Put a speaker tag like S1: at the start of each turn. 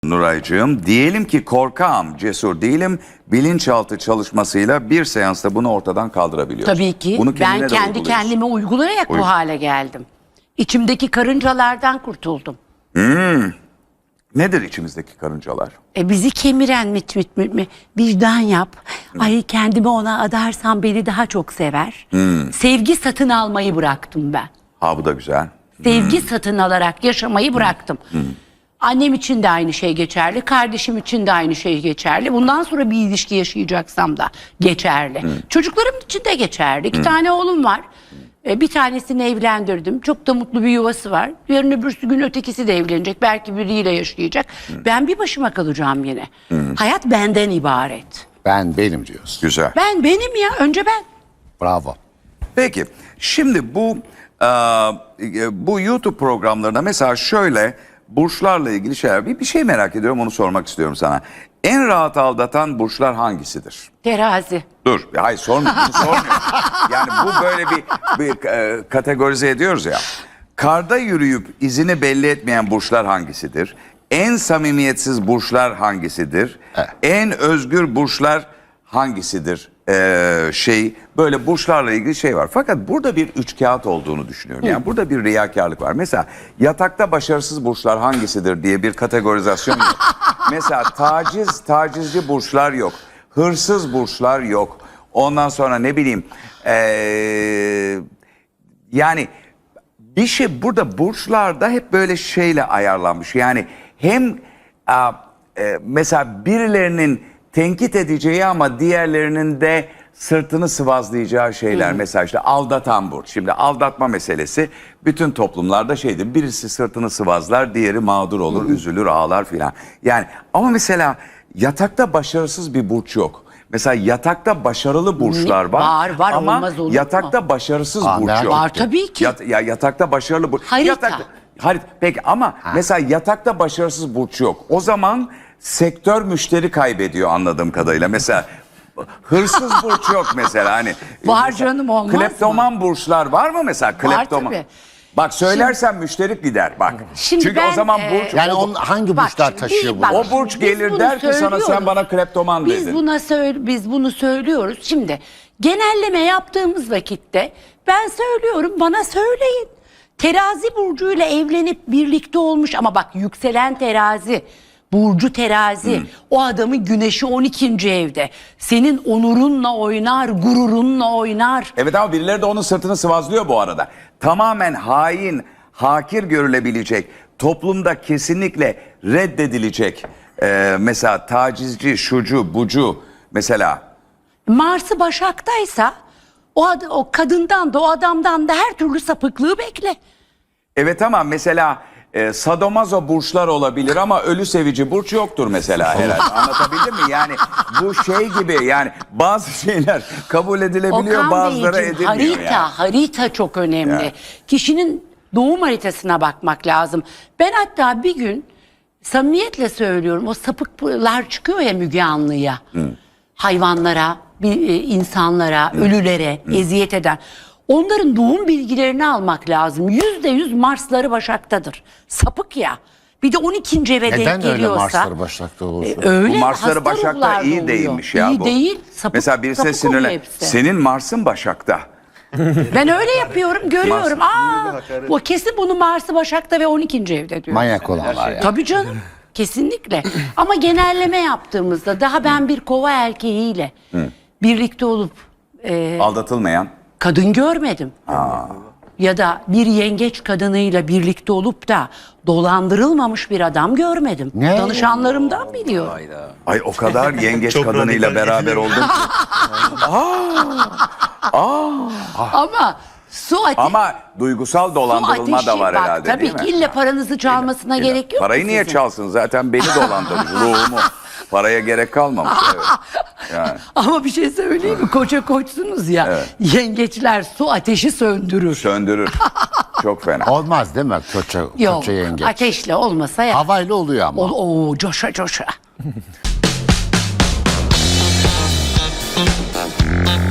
S1: Nuraycığım, diyelim ki korkağım, cesur değilim, bilinçaltı çalışmasıyla bir seansta bunu ortadan kaldırabiliyoruz.
S2: Tabii ki.
S1: Bunu
S2: Ben kendi kendime uygulayarak bu hale geldim. İçimdeki karıncalardan kurtuldum.
S1: Nedir içimizdeki karıncalar?
S2: Bizi kemiren vicdan yap. Ay kendimi ona adarsam beni daha çok sever. Sevgi satın almayı bıraktım ben.
S1: Ha, bu da güzel.
S2: Sevgi satın alarak yaşamayı bıraktım. Annem için de aynı şey geçerli. Kardeşim için de aynı şey geçerli. Bundan sonra bir ilişki yaşayacaksam da geçerli. Çocuklarım için de geçerli. 2 tane oğlum var. Bir tanesini evlendirdim. Çok da mutlu bir yuvası var. Yarın öbürsü gün ötekisi de evlenecek. Belki biriyle yaşayacak. Ben bir başıma kalacağım yine. Hayat benden ibaret.
S3: Ben benim diyorsun.
S1: Güzel.
S2: Benim ya. Önce ben.
S3: Bravo.
S1: Peki, şimdi bu YouTube programlarında mesela şöyle burçlarla ilgili şeyler, bir şey merak ediyorum, onu sormak istiyorum sana. En rahat aldatan burçlar hangisidir?
S2: Terazi.
S1: Dur, hayır sormuyorum. Yani bu böyle bir kategorize ediyoruz ya. Karda yürüyüp izini belli etmeyen burçlar hangisidir? En samimiyetsiz burçlar hangisidir?
S3: Evet.
S1: En özgür burçlar hangisidir? Böyle burçlarla ilgili şey var. Fakat burada bir üçkağıt olduğunu düşünüyorum. Yani burada bir riyakarlık var. Mesela yatakta başarısız burçlar hangisidir diye bir kategorizasyon yok. Mesela tacizci burçlar yok. Hırsız burçlar yok. Ondan sonra ne bileyim yani bir şey burada burçlarda hep böyle şeyle ayarlanmış. Yani hem mesela birilerinin tenkit edeceği ama diğerlerinin de sırtını sıvazlayacağı şeyler. Mesela işte aldatan burç. Şimdi aldatma meselesi bütün toplumlarda şeydir. Birisi sırtını sıvazlar, diğeri mağdur olur, üzülür, ağlar filan. Yani ama mesela yatakta başarısız bir burç yok. Mesela yatakta başarılı burçlar var.
S2: Var,
S1: ama
S2: olmaz olur mu?
S1: yatakta başarısız burç yok.
S2: Var tabii ki.
S1: Yatakta başarılı burç.
S2: Harita.
S1: Peki ama mesela yatakta başarısız burç yok. O zaman sektör müşteri kaybediyor anladığım kadarıyla. Mesela hırsız burç yok mesela. Hani
S2: Var
S1: mesela,
S2: canım, olmaz
S1: kleptoman burçlar var mı mesela? Kleptoman.
S2: tabii.
S1: Bak söylersen müşteri gider bak.
S2: Şimdi
S1: Çünkü
S2: ben,
S1: o zaman burç
S3: Yani hangi
S2: Bak
S3: burçlar
S2: şimdi
S3: taşıyor
S2: biz-
S3: bunu?
S2: bak,
S1: o burç
S2: biz
S1: gelir
S2: bunu
S1: der ki sana sen
S2: söylüyoruz.
S1: bana kleptoman dedin.
S2: Biz bunu söylüyoruz. Şimdi genelleme yaptığımız vakitte ben söylüyorum, bana söyleyin. Terazi burcuyla evlenip birlikte olmuş ama bak yükselen terazi, burcu terazi, o adamın güneşi 12. evde. Senin onurunla oynar, gururunla oynar.
S1: Evet ama birileri de onun sırtını sıvazlıyor bu arada. Tamamen hain, hakir görülebilecek, toplumda kesinlikle reddedilecek. Mesela tacizci, şucu, bucu mesela.
S2: Mars'ı Başak'taysa o kadından da o adamdan da her türlü sapıklığı bekle.
S1: Evet ama mesela sadomazo burçlar olabilir ama ölü sevici burç yoktur mesela herhalde. Anlatabildim mi? Yani bu şey gibi, yani bazı şeyler kabul edilebiliyor,
S2: Okan
S1: bazıları
S2: Beyciğim,
S1: edilmiyor. Yani.
S2: harita çok önemli.
S1: Yani.
S2: Kişinin doğum haritasına bakmak lazım. Ben hatta bir gün samimiyetle söylüyorum, o sapıklar çıkıyor ya Müge Anlı'ya. Hayvanlara, insanlara, ölülere eziyet eden. Onların doğum bilgilerini almak lazım. %100 Marsları Başak'tadır. Sapık ya. Bir de 12. eve denk
S3: Neden öyle
S2: geliyorsa.
S3: Marslar Başak'ta olursa?
S2: Öyle,
S1: Bu Marsları
S2: hasta
S1: Başak'ta
S2: ruhlar
S1: iyi
S2: oluyor.
S1: değilmiş ya
S2: İyi
S1: bu.
S2: değil. Sapık,
S1: Mesela birisine
S2: sapık oluyor
S1: sinirlen.
S2: hepsi.
S1: Senin Mars'ın Başak'ta.
S2: Ben öyle yapıyorum, görüyorum. Bu kesin bunu Mars'ı Başak'ta ve 12. evde diyor.
S3: Manyak olanlar ya.
S2: Tabii canım. Kesinlikle. Ama genelleme yaptığımızda daha ben bir kova erkeğiyle birlikte olup
S1: Aldatılmayan.
S2: kadın görmedim. Ya da bir yengeç kadınıyla birlikte olup da dolandırılmamış bir adam görmedim.
S3: Ne?
S2: Danışanlarımdan biliyorum.
S1: Ay o kadar yengeç kadınıyla beraber oldum ki.
S2: Ama su ateşi.
S1: Ama duygusal dolandırılma da var herhalde,
S2: tabii
S1: değil mi?
S2: ki ille paranızı çalmasına gerek yok.
S1: Parayı
S2: ki
S1: niye
S2: sizin.
S1: çalsın? Zaten beni dolandırmış, ruhumu. Paraya gerek kalmamış. Evet. Yani.
S2: Ama bir şey söyleyeyim mi? Koça koçsunuz ya.
S1: Evet.
S2: Yengeçler su ateşi söndürür.
S1: Söndürür. Çok fena.
S3: Olmaz değil mi
S2: Yok,
S3: koça yengeç?
S2: ateşle olmasa ya.
S3: Havayla oluyor ama.
S2: Coşa coşa.